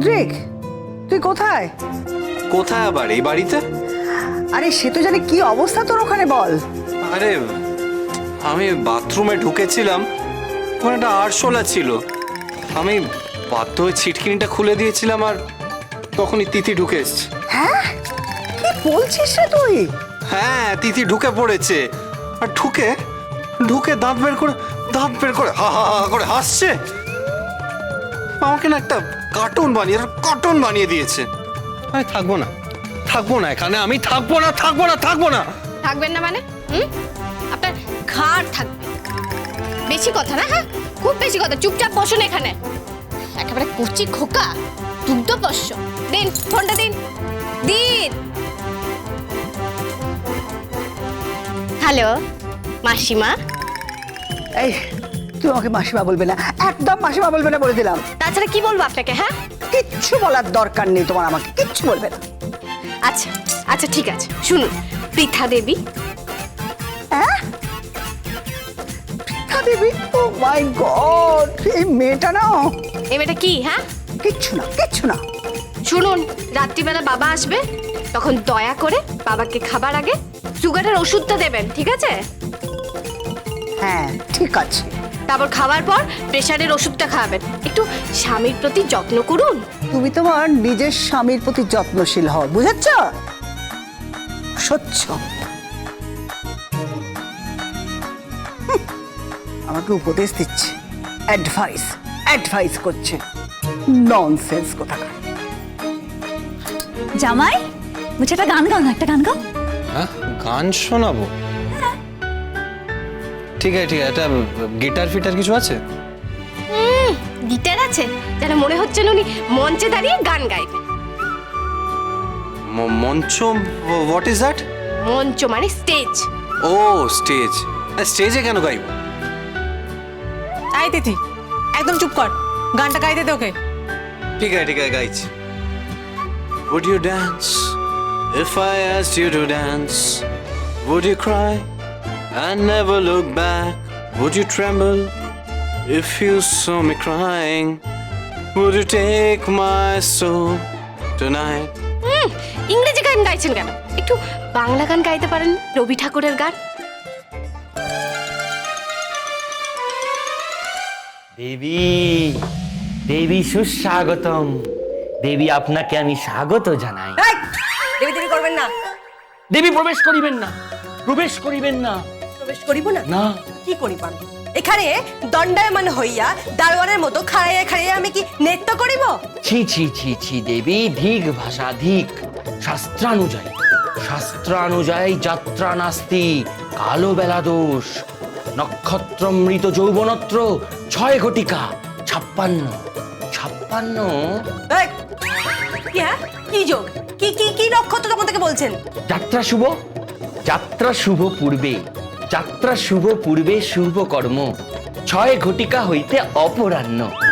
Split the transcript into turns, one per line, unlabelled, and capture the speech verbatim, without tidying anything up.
মুদ্রিক, তুই কোথায়?
কোথায় আবার? এই বাড়িতে।
আরে সে তো জানি, কি অবস্থা তোর ওখানে বল।
আরে আমি বাথরুমে ঢুকেছিলাম, ওখানে একটা আরশোলা ছিল, আমি বাধ্য হয়ে ছিটকিনিটা খুলে দিয়েছিলাম আর তখনই তিথি ঢুকে এসছে।
হ্যাঁ, কি বলছিস রে তুই?
হ্যাঁ, তিথি ঢুকে পড়েছে আর ঢুকে ঢুকে দাঁত বের করে দাঁত বের করে হা হা হা করে হাসছে। আমাকে না একটা কার্টুন বানিয়ে কার্টুন বানিয়ে দিয়েছে। আমি থাকবো না, থাকবো না এখানে, আমি থাকবো না, থাকবো না, থাকবো না।
থাকবেন না মানে? হুম, আপনার ঘাড় থাকবে। বেশি কথা না? হ্যাঁ, খুব বেশি কথা। চুপচাপ বসুন এখানে। একেবারে কুচি খোকা, দুগ্ধ পোষ্য। দিন ফোনটা, দিন দিন। হ্যালো মাসিমা।
এই, তুই আমাকে মাসিমা বলবে না, একদম মাসিমা বলবে না বলে দিলাম।
তাছাড়া কি বলবো আপনাকে? হ্যাঁ,
কিচ্ছু বলার দরকার নেই তোমার, আমাকে কিচ্ছু বলবে না।
আচ্ছা আচ্ছা ঠিক আছে, শুনুন। পৃথা দেবী।
হ্যাঁ, পৃথা দেবী? ও মাই গড, এই মেয়েটা না।
এই মেয়েটা কি? হ্যাঁ,
কিচ্ছু না, কিচ্ছু না।
শুনুন, রাত্রিবেলা বাবা আসবে, তখন দয়া করে বাবাকে খাবার আগে সুগারের ওষুধটা দেবেন, ঠিক আছে?
হ্যাঁ ঠিক আছে।
তারপর খাওয়ার পর প্রেশারের ওষুধটা খাওয়াবেন। একটু স্বামীর প্রতি যত্ন করুন।
তুমি তোমার নিজের স্বামীর প্রতি যত্নশীল হও, বুঝেছ? স্বচ্ছ। হুঁ, আমাকে উপদেশ দিচ্ছে, অ্যাডভাইস অ্যাডভাইস করছে। ননসেন্স কোথাকার।
জামাই, বলছে একটা গান গাও না, একটা গান গাও।
হ্যাঁ, গান শোনাবো? ঠিক আছে ঠিক আছে, একটা গিটার ফিটার কিছু আছে?
গিটার আছে? যেন মনে হচ্ছে না উনি মঞ্চে দাঁড়িয়ে গান গাইবেন।
ম- মঞ্চ? What is that?
মঞ্চ মানে স্টেজ।
ও স্টেজ। স্টেজে কেন গাইব?
আই তিথি, একদম চুপ কর, গানটা গাইতে দে ওকে।
ঠিক আছে ঠিক আছে, গাইছি। Would you dance if I asked you to dance? Would you cry and never look back? Would you tremble if you saw me crying? Would you take my soul tonight?
হুম, ইংরেজি গান গাইছেন কেন? একটু বাংলা গান গাইতে পারেন, রবি ঠাকুরের গান।
দেবী, দেবী সুস্বাগতম। দেবী, আপনাকে আমি স্বাগত জানাই।
দেবী দেবী করবেন না।
দেবী, প্রবেশ করিবেন না, প্রবেশ করিবেন না।
প্রবেশ করিব না?
না।
কি করিবান? এখানে দণ্ডায়মান হইয়া দারোয়ানের মতো খাড়াইয়া খাড়াইয়া আমি কি নৃত্য করিব?
ছি ছি ছি ছি দেবী, ধিক ভাষা ধিক। শাস্ত্রানুযায়ী শাস্ত্রানুযায়ী যাত্রা নাস্তি, কালো বেলা দোষ। নক্ষত্র মৃত যৌবনত্র, ছয় ঘটিকা ছাপ্পান্ন ছাপ্পান্ন।
এই, কি হ্যাঁ, কি যোগ, কি কি কি নক্ষত্র তখন থেকে বলছেন?
যাত্রা শুভ, যাত্রা শুভ পূর্বে, যাত্রা শুভ পূর্বে শুভ কর্ম, ছয় ঘটিকা হইতে অপরাহ্ন।